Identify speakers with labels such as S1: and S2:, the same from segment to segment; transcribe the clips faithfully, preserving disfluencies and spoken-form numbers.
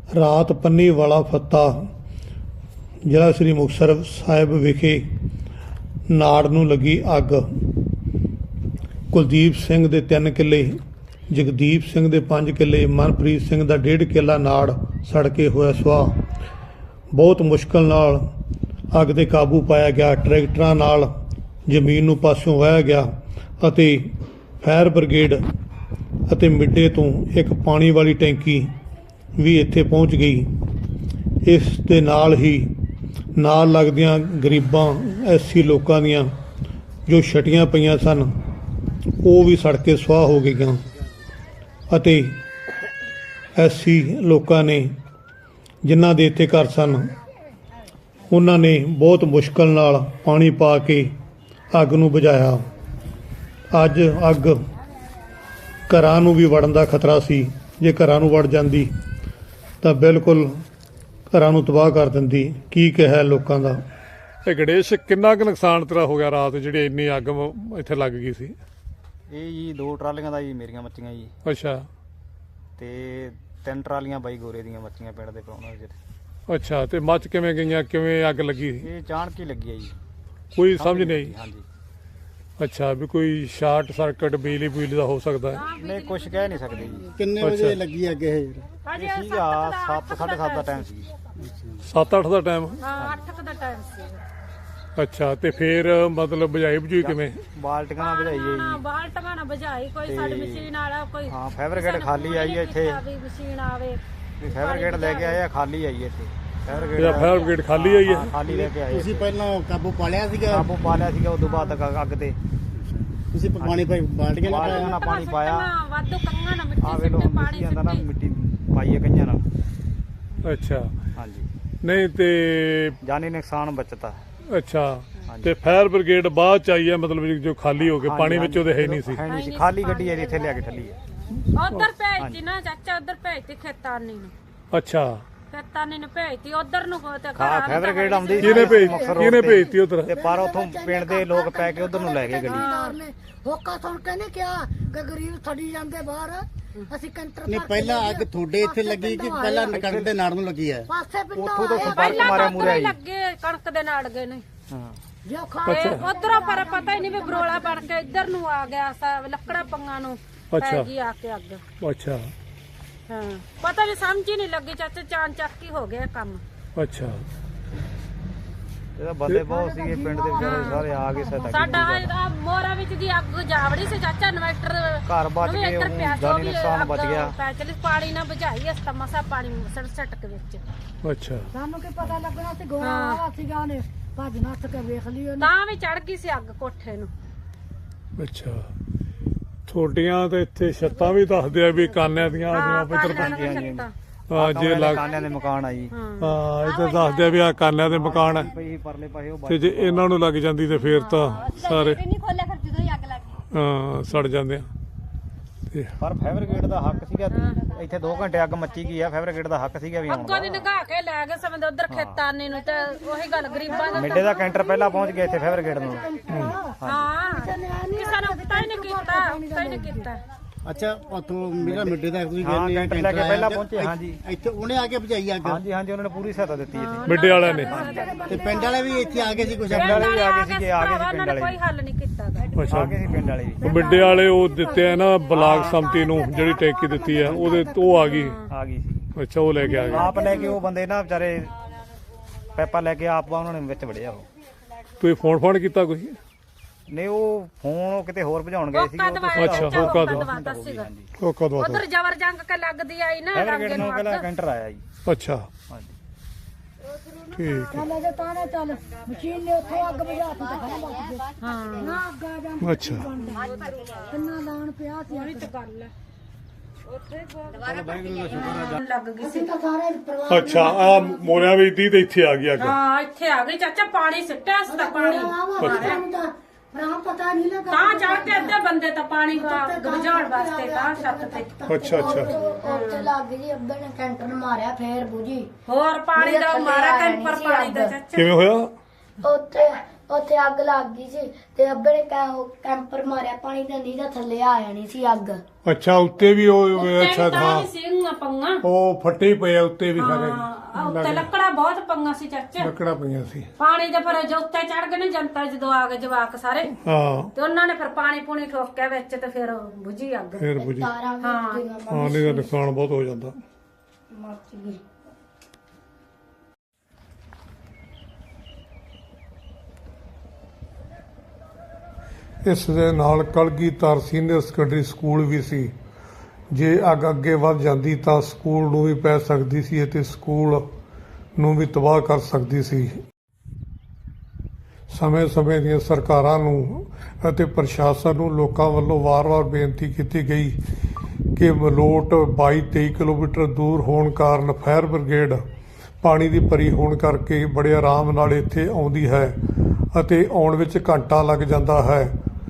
S1: ਰਾਤ ਪੰਨੀ ਵਾਲਾ ਫੱਤਾ ਜ਼ਿਲ੍ਹਾ ਸ੍ਰੀ ਮੁਕਤਸਰ ਸਾਹਿਬ ਵਿਖੇ ਨਾੜ ਨੂੰ ਲੱਗੀ ਅੱਗ। ਕੁਲਦੀਪ ਸਿੰਘ ਦੇ ਤਿੰਨ ਕਿੱਲੇ, ਜਗਦੀਪ ਸਿੰਘ ਦੇ ਪੰਜ ਕਿੱਲੇ, ਮਨਪ੍ਰੀਤ ਸਿੰਘ ਦਾ ਡੇਢ ਕਿੱਲਾ ਨਾੜ ਸੜ ਕੇ ਹੋਇਆ ਸੁਆਹ। ਬਹੁਤ ਮੁਸ਼ਕਲ ਨਾਲ ਅੱਗ 'ਤੇ ਕਾਬੂ ਪਾਇਆ ਗਿਆ। ਟਰੈਕਟਰਾਂ ਨਾਲ ਜ਼ਮੀਨ ਨੂੰ ਪਾਸਿਓਂ ਵਾਹਿਆ ਗਿਆ ਅਤੇ ਫਾਇਰ ਬ੍ਰਿਗੇਡ ਅਤੇ ਮਿੱਡੇ ਤੋਂ ਇੱਕ ਪਾਣੀ ਵਾਲੀ ਟੈਂਕੀ ਵੀ ਇੱਥੇ ਪਹੁੰਚ ਗਈ। ਇਸ ਦੇ ਨਾਲ ਹੀ ਨਾਲ ਲੱਗਦੀਆਂ ਗਰੀਬਾਂ ਐਸੀ ਲੋਕਾਂ ਦੀਆਂ ਜੋ ਛਟੀਆਂ ਪਈਆਂ ਸਨ ਉਹ ਵੀ ਸੜ ਕੇ ਸੁਆਹ ਹੋ ਗਈਆਂ ਅਤੇ ਐਸੀ ਲੋਕਾਂ ਨੇ ਜਿਨ੍ਹਾਂ ਦੇ ਇੱਥੇ ਘਰ ਸਨ ਉਹਨਾਂ ਨੇ ਬਹੁਤ ਮੁਸ਼ਕਲ ਨਾਲ ਪਾਣੀ ਪਾ ਕੇ ਅੱਗ ਨੂੰ ਬੁਝਾਇਆ। ਅੱਜ ਅੱਗ ਘਰਾਂ ਨੂੰ ਵੀ ਵੜਨ ਦਾ ਖਤਰਾ ਸੀ। ਜੇ ਘਰਾਂ ਨੂੰ ਵੜ ਜਾਂਦੀ ਤਾਂ ਬਿਲਕੁਲ ਘਰਾਂ ਨੂੰ ਤਬਾਹ ਕਰ ਦਿੰਦੀ। ਕੀ ਕਿਹਾ ਲੋਕਾਂ ਦਾ।
S2: ਇਹ ਗਣੇਸ਼ ਕਿੰਨਾ ਕੁ ਨੁਕਸਾਨ ਤੇਰਾ ਹੋ ਗਿਆ ਰਾਤ ਜਿਹੜੀ ਇੰਨੀ ਅੱਗ ਮ- ਇੱਥੇ ਲੱਗ ਗਈ ਸੀ?
S3: ਇਹ ਜੀ ਦੋ ਟਰਾਲੀਆਂ ਦਾ ਜੀ ਮੇਰੀਆਂ ਮੱਚੀਆਂ ਜੀ,
S2: ਅੱਛਾ
S3: ਤੇ ਤਿੰਨ ਟਰਾਲੀਆਂ ਬਾਈ ਗੋਰੇ ਦੀਆਂ ਮੱਚੀਆਂ ਪਿੰਡ ਦੇ ਪ੍ਰਾਹੁਣੇ ਜਿਹੜੇ।
S2: ਅੱਛਾ, ਤੇ ਮੱਚ ਕਿਵੇਂ ਗਈਆਂ, ਕਿਵੇਂ ਅੱਗ ਲੱਗੀ?
S3: ਇਹ ਅਚਾਨਕ ਹੀ ਲੱਗੀ ਹੈ ਜੀ,
S2: ਕੋਈ ਸਮਝ ਨਹੀਂ ਆਈ?
S3: ਹਾਂਜੀ।
S2: ਅੱਛਾ, ਵੀ ਕੋਈ ਸ਼ਾਰਟ ਸਰਕਟ ਬਿਜਲੀ ਬੁਜਲੀ ਦਾ ਹੋ ਸਕਦਾ ਹੈ?
S3: ਨਹੀਂ, ਕੁਝ ਕਹਿ ਨਹੀਂ ਸਕਦੇ ਜੀ।
S4: ਕਿੰਨੇ
S2: ਅੱਛਾ।
S4: ਵਜੇ ਲੱਗੀ ਅੱਗ ਇਹ?
S3: ਇਹ ਸੀਗਾ ਸੱਤ ਸਾਢੇ ਸੱਤ ਦਾ ਟਾਈਮ ਸੀ।
S2: ਸੱਤ ਅੱਠ ਦਾ ਟਾਈਮ?
S5: ਹਾਂ, ਅੱਠ ਕੁ ਦਾ ਟਾਈਮ ਸੀ।
S2: ਅੱਛਾ, ਤੇ ਫਿਰ ਮਤਲਬ ਬੁਝਾਈ ਬੁਝਾਈ ਕਿਵੇਂ?
S3: ਬਾਲਟੀਆਂ ਨਾਲ ਬੁਝਾਈ ਹੈ
S5: ਹਾਂ,
S3: ਜੀ।
S5: ਬਾਲਟੀਆਂ ਨਾਲ ਬੁਝਾਈ। ਕੋਈ ਸਾਡੀ ਮਸ਼ੀਨ ਵਾਲਾ ਕੋਈ
S3: ਹਾਂ, ਫਾਇਰ ਬ੍ਰਿਗੇਡ ਖਾਲੀ ਆਈ ਹੈ ਇੱਥੇ।
S5: ਵੀ ਮਸ਼ੀਨ ਆਵੇ
S3: ਵੀ ਫਾਇਰ ਬ੍ਰਿਗੇਡ ਲੈ ਕੇ ਆਏ ਆ, ਖਾਲੀ ਆਈ ਹੈ ਇੱਥੇ ਫਾਇਰ
S2: ਇਹਦਾ
S3: ਬ੍ਰਿਗੇਡ।
S2: ਫਾਇਰ ਬ੍ਰਿਗੇਡ ਖਾਲੀ ਆਈ ਹੈ?
S3: ਹਾਂ, ਖਾਲੀ ਲੈ ਕੇ ਆਏ।
S4: ਤੁਸੀਂ ਪਹਿਲਾਂ ਕਾਬੂ ਪਾ ਲਿਆ ਸੀਗਾ?
S3: ਕਾਬੂ ਪਾ ਲਿਆ ਸੀਗਾ, ਉਦੋਂ ਬਾਅਦ ਤੱਕ ਅੱਗ ਤੇ
S4: ਤੁਸੀਂ ਪਾਣੀ ਪਾਈ ਬਾਲਟੀਆਂ ਨਾਲ
S3: ਬਾਲਟੀਆਂ ਨਾਲ ਪਾਣੀ ਪਾਇਆ।
S5: ਵਾਧੂ ਕੰਗਾਂ ਨਾਲ
S3: ਆ
S5: ਮਿੱਟੀ
S3: ਵੇਲੋ
S5: ਸਿੱਟੇ, ਪਾਣੀ
S3: ਜਾਂਦਾ ਨਾ,
S5: ਸਿੱਟੇ।
S3: ਮਿੱਟੀ ਪਾਈ ਹੈ ਕਈਆਂ ਨਾਲ।
S2: ਅੱਛਾ,
S3: ਹਾਂਜੀ,
S2: ਨਹੀਂ ਤੇ
S3: ਜਾਨੀ ਨੁਕਸਾਨ ਬਚਤਾ।
S2: ਅੱਛਾ, ਤੇ ਫਾਇਰ ਬ੍ਰਿਗੇਡ ਬਾਅਦ ਚ ਆਈ ਹੈ ਮਤਲਬ ਜੋ ਖਾਲੀ ਹੋ ਕੇ
S3: ਹਾਂਜੀ,
S2: ਪਾਣੀ ਵਿੱਚ ਉਹਦੇ ਹੈ ਨਹੀਂ ਸੀ?
S3: ਹੈ ਨਹੀਂ ਸੀ, ਖਾਲੀ ਗੱਡੀ ਹੈ ਜੀ, ਇੱਥੇ ਲਿਆ ਕੇ ਠੱਲੀ ਹੈ।
S5: ਉਧਰ ਭੇਜਤੀ ਨਾ ਚਾਚਾ, ਉਧਰ ਭੇਜਤੀ ਖੇਤਾਨੀ ਨੂੰ।
S2: ਅੱਛਾ,
S5: ਖੇਤਾਨੀ ਨੂੰ ਭੇਜਤੀ ਉਧਰ ਨੂੰ ਤੇ
S3: ਹਾਂ, ਫਾਇਰ ਬ੍ਰਿਗੇਡ ਆਉਂਦੀ
S2: ਕਿਹਨੇ ਭੇਜ
S3: ਮੁਕਤਸਰ
S2: ਕਿਹਨੇ
S3: road ਤੇ।
S2: ਭੇਜਤੀ ਉਧਰ?
S3: ਤੇ ਪਰ ਉਥੋਂ ਪਿੰਡ ਦੇ ਲੋਕ ਪੈ ਕੇ ਉਧਰ ਨੂੰ ਲੈ ਗਏ ਗੱਡੀ।
S6: ਨੇ ਹੋਕਾ ਸੁਣ ਕੇ ਨਹੀਂ ਕਿਹਾ ਕਿ ਗਰੀਬ ਛੱਡੀ ਜਾਂਦੇ ਬਾਹਰ, ਅਸੀਂ ਕੰਟਰ
S4: ਨਹੀਂ, ਪਹਿਲਾਂ ਅੱਗ ਤੁਹਾਡੇ ਇੱਥੇ ਲੱਗੀ ਕਿ ਪਹਿਲਾਂ ਕਣਕ ਦੇ ਨਾੜ ਨੂੰ ਲੱਗੀ ਹੈ?
S6: ਪਾਸੇ ਪਿੰਡੋਂ
S3: ਉੱਥੋਂ ਤੋਂ
S6: ਆਏ।
S3: ਸੰਪਰਕ ਮਾਰਿਆ ਮੂਰਿਆ ਜੀ।
S5: ਲੱਗੇ ਕਣਕ ਦੇ ਨਾਲ ਗਏ ਨੇ
S3: ਹਾਂ,
S6: ਜੋ ਖਾ
S5: ਉਧਰੋਂ ਪਰ ਪਤਾ ਹੀ ਨਹੀਂ ਵੀ ਬਰੋਲਾ ਬਣ ਕੇ ਇੱਧਰ ਨੂੰ ਆ ਗਿਆ। ਸਾ ਲੱਕੜਾ ਪੰਗਾਂ ਨੂੰ
S2: ਅੱਛਾ।
S5: ਪੈ ਗਈ ਆ ਕੇ ਅੱਗ।
S2: ਅੱਛਾ
S5: ਹਾਂ, ਪਤਾ ਨਹੀਂ ਸਮਝ ਹੀ ਨਹੀਂ ਲੱਗੀ ਚਾਚਾ, ਚਾਨ ਚੱਕ ਹੀ ਹੋ ਗਿਆ ਕੰਮ।
S2: ਅੱਛਾ,
S3: ਇਹਦਾ ਬੰਦੇ ਬਹੁਤ ਸੀਗੇ ਪਿੰਡ ਦੇ ਵਿਚਾਰੇ, ਸਾਰੇ ਆ ਗਏ ਸਹਾਇਤਾ
S5: ਸਾਡਾ
S3: ਕੀਤੀ।
S5: ਆ ਮੋਰਾ ਵਿੱਚ ਦੀ ਅੱਗ ਜਾਵੜੀ ਸੀ ਚਾਚਾ, ਇਨਵਰਟਰ
S3: ਘਰ ਬਚ
S5: ਵੀ
S3: ਗਏ,
S5: ਇੱਧਰ ਪਿਆ ਸੀ, ਉਹ
S3: ਜਾਨੀ
S5: ਵੀ
S3: ਨੁਕਸਾਨ ਬਚ
S5: ਅੱਗ
S3: ਗਿਆ।
S5: ਪੈ ਚਲੀ, ਪਾਣੀ ਨਾ ਬੁਝਾਈ ਅਸਤਾ ਮਸਾ ਪਾਣੀ ਸੜ ਸਟਕ ਵਿੱਚ।
S2: ਅੱਛਾ,
S6: ਸਾਨੂੰ ਕੀ ਪਤਾ ਲੱਗਣਾ ਸੀ ਗੋਆ ਆਵਾ ਸੀਗਾ, ਉਹਨੇ ਭੱਜ ਨੱਠ ਕੇ ਵੇਖ ਲਈ ਉਹਨੇ।
S5: ਤਾਂ ਵੀ ਚੜ ਗਈ ਸੀ ਅੱਗ ਕੋਠੇ ਨੂੰ।
S2: ਅੱਛਾ। ਤੁਹਾਡੀਆਂ ਤੇ ਇੱਥੇ ਛੱਤਾਂ ਵੀ ਦੱਸਦੇ ਆ ਵੀ ਕਾਨਿਆਂ ਦੀਆਂ
S5: ਹਾਂ,
S2: ਜਿਵੇਂ ਇੱਧਰ
S5: ਕਾਲਿਆਂ ਦੀਆਂ ਛੱਤਾਂ।
S2: ਹਾਂ ਜੇ ਲੱਗ
S3: ਕਾਨਿਆਂ ਦੇ ਮਕਾਨ ਆ ਜੀ।
S2: ਹਾਂ ਇੱਧਰ ਦੱਸਦੇ ਆ ਵੀ ਆ ਕਾਨਿਆਂ ਦੇ ਮਕਾਨ ਆ
S3: ਪਈ ਪਰਲੇ ਪਾਸੇ ਉਹ
S2: ਤੇ ਜੇ ਇਹਨਾਂ ਨੂੰ ਲੱਗ ਜਾਂਦੀ ਤੇ ਫੇਰ ਤਾਂ ਸਾਰੇ
S5: ਨਹੀਂ ਖੋਲਿਆ ਫਿਰ ਜਦੋਂ ਹੀ ਅੱਗ ਲੱਗ ਗਈ।
S2: ਹਾਂ ਸੜ ਜਾਂਦੇ ਆ। ਤੇ
S3: ਪਰ ਫਾਇਰ ਬ੍ਰਿਗੇਡ ਦਾ ਹੱਕ ਸੀਗਾ, ਇੱਥੇ ਦੋ ਘੰਟੇ ਅੱਗ ਮੱਚੀ ਗਈ ਆ। ਫਾਇਰ ਬ੍ਰਿਗੇਡ ਦਾ ਹੱਕ ਸੀਗਾ ਵੀ
S5: ਅੱਗੋਂ ਦੀ
S3: ਆਉਣਾ।
S5: ਨਿਗਾਹ ਕੇ ਲੈ ਗਏ ਸਮੇਂ ਉਧਰ ਖੇਤਾਨੀ ਨੂੰ, ਤੇ ਉਹੀ ਗੱਲ ਗਰੀਬਾਂ ਦਾ।
S3: ਮਿੱਡੇ ਦਾ ਕੈਂਟਰ ਪਹਿਲਾਂ ਪਹੁੰਚ ਗਿਆ ਇੱਥੇ ਫਾਇਰ ਬ੍ਰਿਗੇਡ ਨੂੰ।
S5: ਹਾਂ, ਕਿਸੇ ਨੇ ਪਤਾ ਹੀ ਨਹੀਂ ਕੀਤਾ, ਪਤਾ ਹੀ ਨਹੀਂ ਕੀਤਾ।
S4: ਅੱਛਾ, ਉੱਥੋਂ ਮੇਰਾ ਮਿੱਡੇ ਦਾ ਤੁਸੀਂ
S3: ਹਾਂ,
S4: ਕਹਿੰਦੇ
S3: ਕੈਂਟਰ ਲੈ ਕੇ ਪਹਿਲਾਂ ਪਹੁੰਚੇ। ਹਾਂਜੀ,
S4: ਇੱਥੇ ਉਹਨੇ ਆ ਕੇ ਬੁਝਾਈ ਅੱਗ?
S3: ਹਾਂਜੀ ਹਾਂਜੀ, ਉਹਨਾਂ ਨੇ ਪੂਰੀ ਸਹਾਇਤਾ ਦਿੱਤੀ ਇੱਥੇ।
S2: ਮਿੱਡੇ ਵਾਲਿਆਂ ਨੇ?
S4: ਤੇ ਪਿੰਡ ਵਾਲੇ ਵੀ ਇੱਥੇ ਆ ਗਏ ਸੀ ਕੁਝ?
S5: ਪਿੰਡ
S3: ਵਾਲੇ ਵੀ ਆ ਗਏ
S5: ਵਾਲੇ
S3: ਸੀਗੇ, ਆ ਗਏ ਸੀ
S5: ਉਹਨਾਂ
S3: ਪਿੰਡ
S5: ਨੇ
S3: ਵਾਲੇ।
S5: ਕੋਈ ਹੱਲ ਨਹੀਂ ਕੀਤਾ ਗਾ।
S2: ਅੱਛਾ,
S3: ਆ ਗਏ ਸੀ ਪਿੰਡ ਵਾਲੇ ਵੀ।
S2: ਮਿੱਡੇ ਵਾਲੇ ਉਹ ਦਿੱਤੇ ਆ ਨਾ ਬਲਾਕ ਸੰਮਤੀ ਨੂੰ ਜਿਹੜੀ ਟੈਂਕੀ ਦਿੱਤੀ ਆ ਉਹਦੇ ਉਹ ਆ ਗਈ।
S3: ਆ ਗਈ ਸੀ,
S2: ਅੱਛਾ, ਉਹ ਲੈ ਕੇ ਆ ਗਏ।
S3: ਆਪ ਲੈ ਕੇ ਉਹ ਬੰਦੇ ਨਾ ਵਿਚਾਰੇ ਪੈਪਾ ਲੈ ਕੇ ਆਪ ਉਹਨਾਂ ਨੇ ਵਿੱਚ ਵੜਿਆ। ਉਹ
S2: ਤੁਸੀਂ ਫੋਨ ਫੋਨ ਕੀਤਾ ਕੋਈ?
S3: ਨਹੀਂ, ਉਹ ਫੋਨ ਉਹ ਕਿਤੇ ਹੋਰ ਭਜਾਉਣ ਗਏ ਸੀਗੇ। ਉਹ ਤੋਂ
S2: ਅੱਛਾ, ਹੋਕਾ ਦਵਾ।
S5: ਦਵਾਤਾ ਸੀਗਾ।
S2: ਉਹ ਕਦੋਂ
S5: ਉਧਰ ਜ਼ਬਰ ਜੰਗ ਕੇ ਲੱਗਦੀ ਆਈ ਨਾ
S3: ਫਾਇਰ
S5: ਰੰਗੇ
S3: ਬ੍ਰਿਗੇਡ
S5: ਨੂੰ
S3: ਨੂੰ
S5: ਅੱਗ।
S3: ਪਹਿਲਾਂ ਕੈਂਟਰ ਆਇਆ ਜੀ।
S2: ਅੱਛਾ,
S3: ਹਾਂਜੀ,
S2: ਠੀਕ
S6: ਚੱਲ ਅਜੇ ਤਾਂ ਨਾ ਚੱਲ ਮਸ਼ੀਨ ਨੇ ਉੱਥੇ ਅੱਗ ਬੁਝਾ ਦਿੱਤੀ ਤਾਂ ਖੜਾ ਬਚ ਗਏ।
S5: ਹਾਂ,
S6: ਨਾ ਅੱਗ ਆ ਜਾਂ
S2: ਹੈ। ਅੱਛਾ,
S6: ਕਿੰਨਾ ਲਾਣ ਪਿਆ ਸੀ।
S5: ਉਹੀ ਤਾਂ ਗੱਲ ਹੈ।
S6: ਲੱਗ ਗਈ ਸੀ ਤਾਂ ਸਾਰੇ ਪਰਿਵਾਰ
S2: ਅੱਛਾ, ਆ ਮੋਰਿਆਂ ਵਿੱਚ ਦੀ ਤੇ ਇੱਥੇ ਆ ਗਈ ਅੱਗ।
S5: ਹਾਂ, ਇੱਥੇ ਆ ਗਈ ਚਾਚਾ, ਪਾਣੀ ਸਿੱਟਿਆ ਸੀ ਤਾਂ ਪਾਣੀ
S6: ਦਾ ਭਰਾ ਪਤਾ ਨਹੀਂ ਲੱਗਾ।
S5: ਤਾਂ ਚੜ ਕੇ ਅੱਧੇ ਬੰਦੇ ਤਾਂ ਪਾਣੀ ਬੁਝਾਉਣ ਵਾਸਤੇ ਤਾਂ ਛੱਤ ਤੇ।
S2: ਅੱਛਾ ਅੱਛਾ,
S6: ਉੱਥੇ ਲੱਗ ਗਈ, ਅੱਬੇ ਨੇ ਕੈਂਟਰ ਮਾਰਿਆ, ਫੇਰ ਬੁਝੀ।
S5: ਹੋਰ ਪਾਣੀ ਦਾ ਮਾਰਾ ਕੈਂਪਰ ਪਾਣੀ ਦਾ ਚਾਚਾ।
S2: ਕਿਵੇਂ ਹੋਇਆ?
S6: ਉੱਥੇ
S7: ਉੱਥੇ ਅੱਗ ਲੱਗ ਗਈ ਸੀ ਤੇ ਅੱਬੇ ਨੇ ਕੈ- ਉਹ ਕੈਂਪਰ ਮਾਰਿਆ ਪਾਣੀ ਦਾ, ਨਹੀਂ ਤਾਂ ਥੱਲੇ ਆ ਜਾਣੀ ਸੀ ਅੱਗ।
S2: ਅੱਛਾ ਉੱਤੇ ਵੀ ਉਹ ਅੱਛਾ
S5: ਤਾਂ
S2: ਹਾਂ
S5: ਵੀ ਸਿੰਘਾਂ ਪੰਗਾ
S2: ਉਹ ਫੱਟੇ ਪਏ ਆ ਉੱਤੇ ਵੀ ਸਾਰੇ
S5: ਹਾਂ ਉੱਤੇ ਲੱਕੜਾਂ ਬਹੁਤ ਪੰਗਾ ਸੀ ਚਾਚਾ।
S2: ਲੱਕੜਾਂ ਪਈਆਂ ਸੀ।
S5: ਪਾਣੀ ਦੇ ਫਿਰ ਜੋ ਉੱਤੇ ਚੜ ਗਏ ਨੇ ਜਨਤਾ ਜਦੋਂ ਆ ਗਏ ਜਵਾਕ ਸਾਰੇ
S2: ਹਾਂ
S5: ਤੇ ਉਹਨਾਂ ਨੇ ਫਿਰ ਪਾਣੀ ਪੂਣੀ ਠੋਕਿਆ ਵਿੱਚ ਤੇ ਫਿਰ ਬੁਝੀ ਅੱਗ।
S2: ਫੇਰ ਬੁਝੀ।
S7: ਤਾਰਾਂ ਵੀ
S5: ਹਾਂ।
S7: ਉੱਡੀਆਂ
S2: ਹਾਂ ਨਹੀਂ ਤਾਂ ਨੁਕਸਾਨ ਬਹੁਤ ਹੋ ਜਾਂਦਾ।
S7: ਮੱਚ ਗਈ।
S2: ਇਸ ਦੇ ਨਾਲ ਕਲਗੀਧਰ ਸੀਨੀਅਰ ਸੈਕੰਡਰੀ ਸਕੂਲ ਵੀ ਸੀ। ਜੇ ਅੱਗ ਅੱਗੇ ਵੱਧ ਜਾਂਦੀ ਤਾਂ ਸਕੂਲ ਨੂੰ ਵੀ ਪੈ ਸਕਦੀ ਸੀ ਅਤੇ ਸਕੂਲ ਨੂੰ ਵੀ ਤਬਾਹ ਕਰ ਸਕਦੀ ਸੀ। ਸਮੇਂ-ਸਮੇਂ ਦੀਆਂ ਸਰਕਾਰਾਂ ਨੂੰ ਅਤੇ ਪ੍ਰਸ਼ਾਸਨ ਨੂੰ ਲੋਕਾਂ ਵੱਲੋਂ ਵਾਰ-ਵਾਰ ਬੇਨਤੀ ਕੀਤੀ ਗਈ ਕਿ ਮਲੋਟ ਬਾਈ ਤੇਈ ਕਿਲੋਮੀਟਰ ਦੂਰ ਹੋਣ ਕਾਰਨ ਫਾਇਰ ਬ੍ਰਿਗੇਡ ਪਾਣੀ ਦੀ ਭਰੀ ਹੋਣ ਕਰਕੇ ਬੜੇ ਆਰਾਮ ਨਾਲ ਇੱਥੇ ਆਉਂਦੀ ਹੈ ਅਤੇ ਆਉਣ ਵਿੱਚ ਘੰਟਾ ਲੱਗ ਜਾਂਦਾ ਹੈ।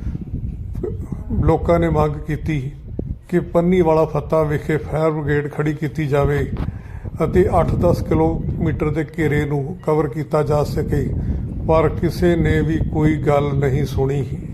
S2: ਲੋਕਾਂ ਨੇ ਮੰਗ ਕੀਤੀ ਕਿ ਪੰਨੀ ਵਾਲਾ ਫੱਤਾ ਵਿਖੇ ਫਾਇਰ ਬ੍ਰਿਗੇਡ ਖੜੀ ਕੀਤੀ ਜਾਵੇ ਅਤੇ ਅੱਠ ਦਸ ਕਿਲੋਮੀਟਰ ਦੇ ਘੇਰੇ ਨੂੰ ਕਵਰ ਕੀਤਾ ਜਾ ਸਕੇ, ਪਰ ਕਿਸੇ ਨੇ ਵੀ ਕੋਈ ਗੱਲ ਨਹੀਂ ਸੁਣੀ।